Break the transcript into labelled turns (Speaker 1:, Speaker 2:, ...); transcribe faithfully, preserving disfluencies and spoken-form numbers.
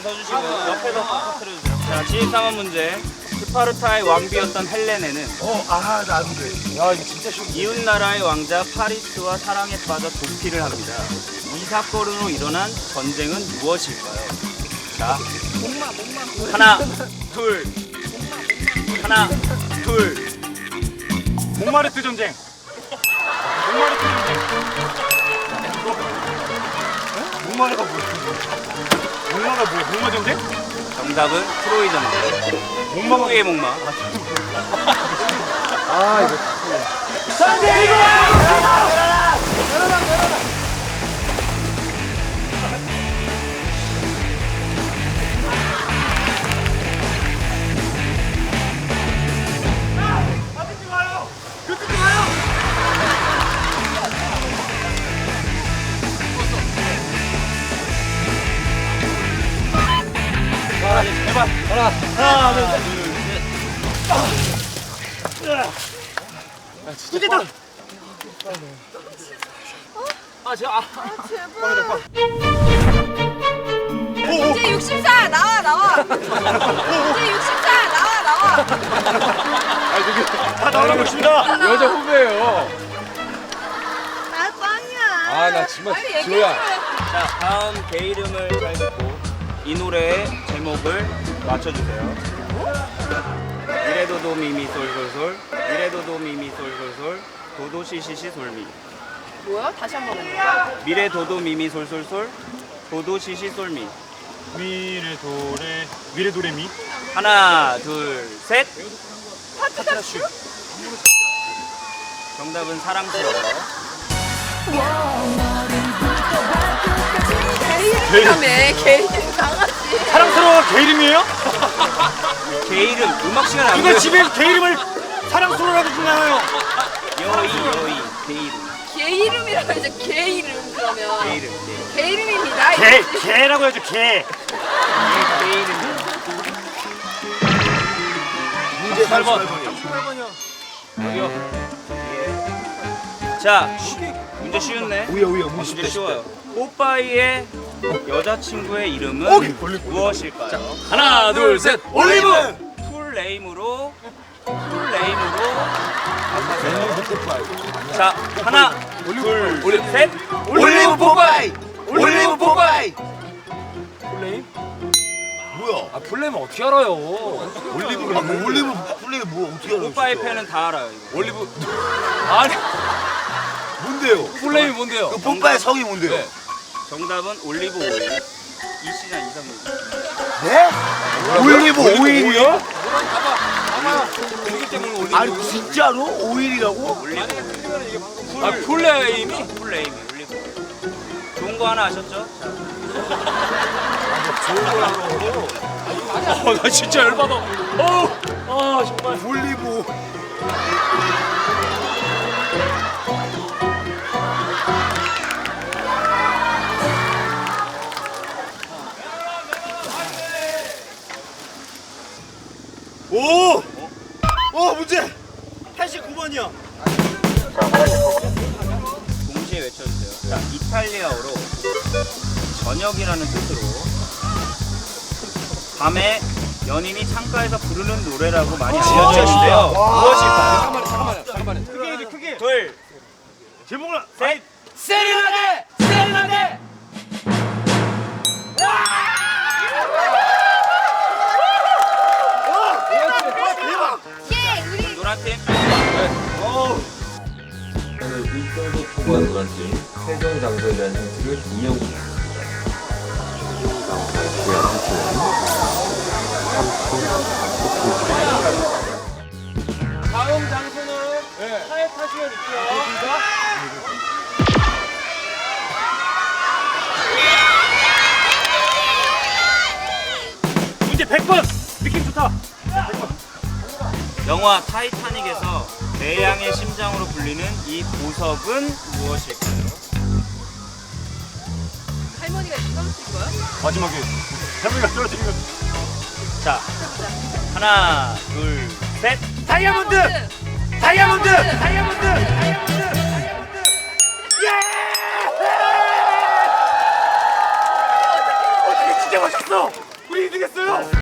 Speaker 1: 서주시고요. 옆에서 터뜨려주세요. 자, 지휘상원 문제. 스파르타의 왕비였던 헬레네는
Speaker 2: 어, 아, 나 안 돼. 야, 이거 진짜 쉬워.
Speaker 1: 이웃 나라의 왕자 파리스와 사랑에 빠져 도피를 합니다. 이 사건으로 일어난 전쟁은 무엇일까요? 자, 하나, 둘, 하나, 둘.
Speaker 3: 몽마르트 전쟁. 몽마르트 전쟁.
Speaker 2: 목마르가 뭐야?
Speaker 3: 목마가 뭐야? 목마 전쟁?
Speaker 1: 정답은 트로이 전쟁. 목마의 목마.
Speaker 2: 아, 이거.
Speaker 1: 제발.
Speaker 2: 하나, 하나, 둘, 셋.
Speaker 3: 이제다.
Speaker 1: 아, 제가 아.
Speaker 4: 이제 육십사 나와 나와. 이제 육십사 나와 나와.
Speaker 3: 아, 저기 다 나오라고 있습니다.
Speaker 2: 여자 후배예요.
Speaker 4: 나 꽝이야.
Speaker 2: 아, 나 정말
Speaker 4: 빨리 얘기해
Speaker 2: 지호야.
Speaker 4: 줘요.
Speaker 1: 자, 다음 개 이름을 잘 듣고 이 노래의 제목을 맞춰주세요. 이래도도 미미 솔솔솔, 이래도도 미미 솔솔솔, 도도 시시시 솔미.
Speaker 4: 뭐야? 다시 한 번 해볼까?
Speaker 1: 미래 도도 미미 솔솔솔, 도도 시시 솔미.
Speaker 3: 미래 도레 미래 도레미.
Speaker 1: 하나, 둘, 셋.
Speaker 4: 파트라슈?
Speaker 1: 정답은 사랑스러워.
Speaker 4: 개 이름이라며. 개 이름 강아지.
Speaker 3: 사랑스러워 개 이름이에요?
Speaker 1: 개 이름 음악 시간 안
Speaker 3: 누가
Speaker 1: 돼요.
Speaker 3: 집에 개 이름을 사랑스러워라고 부르나요?
Speaker 1: 여의 여의 개 이름.
Speaker 4: 개 이름이라고 해서 개 이름 그러면.
Speaker 1: 개 이름. 개,
Speaker 4: 개 이름입니다.
Speaker 3: 개
Speaker 4: 이거지.
Speaker 3: 개라고 해야죠 개.
Speaker 1: 개, 개 이름.
Speaker 2: 문제
Speaker 1: 팔 번.
Speaker 2: 삼십팔 번이요.
Speaker 1: 여기요. 예. 자, 문제 쉬웠네.
Speaker 2: 우야, 우야,
Speaker 1: 문제 쉬워요. 뽀빠이의 여자친구의 이름은
Speaker 2: 오케이.
Speaker 1: 무엇일까요?
Speaker 2: 하나, 둘, 셋. 올리브.
Speaker 1: 풀네임으로 풀네임으로 자, 하나, 둘,
Speaker 2: 올리브.
Speaker 1: 셋.
Speaker 2: 올리브 포파이. 올리브 포파이. 플레임? 뭐야?
Speaker 5: 아 플레임은 어떻게 알아요?
Speaker 2: 올리브가 뭐 올리브 플레이 뭐 어떻게 알아?
Speaker 1: 뽀빠이 팬은 다 알아요. 이거.
Speaker 5: 올리브 아니
Speaker 2: 뭔데요?
Speaker 5: 플레임이 뭔데요?
Speaker 2: 그 뽀빠의 성이 뭔데요?
Speaker 5: 네.
Speaker 1: 정답은 올리브 오일. 이 시간 이상입니다.
Speaker 2: 네? 올리브 오일이요?
Speaker 5: 그렇기 때문에 올리브.
Speaker 2: 아니 진짜로 오일이라고?
Speaker 1: 올리브 오일.
Speaker 5: 아 플레임이?
Speaker 1: 풀네임이 올리브 오일. 좋은 거 하나 아셨죠? 자,
Speaker 5: 어나 진짜 열받아. 어, 아 정말.
Speaker 2: 올리브.
Speaker 3: 오! 오 문제! 팔십구 번이요.
Speaker 1: 동시에 외쳐주세요. 자, 이탈리아어로 저녁이라는 뜻으로 밤에 연인이 창가에서 부르는 노래라고 많이 알려져 있는데요. 무엇일까요?
Speaker 5: 잠깐만요 잠깐만요 잠깐만요.
Speaker 3: 크게 해야지 크게.
Speaker 1: 둘,
Speaker 3: 제목을
Speaker 1: 셋.
Speaker 5: 세레나데 세레나데.
Speaker 4: 예, 우리
Speaker 1: 노란 팀.
Speaker 6: 일정도 포괄 노란팀 세종 장소에 대한 힌트를 이영
Speaker 5: 다음 장소는 차에 타시면 있고요.
Speaker 3: 문제 백 번. 느낌 좋다.
Speaker 1: 영화 타이타닉에서 대양의 심장으로 불리는 이 보석은 무엇일까요?
Speaker 4: 할머니가 떨어뜨린 거야?
Speaker 3: 마지막에 할머니가 떨어뜨린 거.
Speaker 1: 자, 하나, 둘, 셋.
Speaker 3: 다이아몬드! 다이아몬드! 다이아몬드! 다이아몬드! 다이아몬드! 예! 어떻게 진짜 맞췄어? 우리 이득했어요.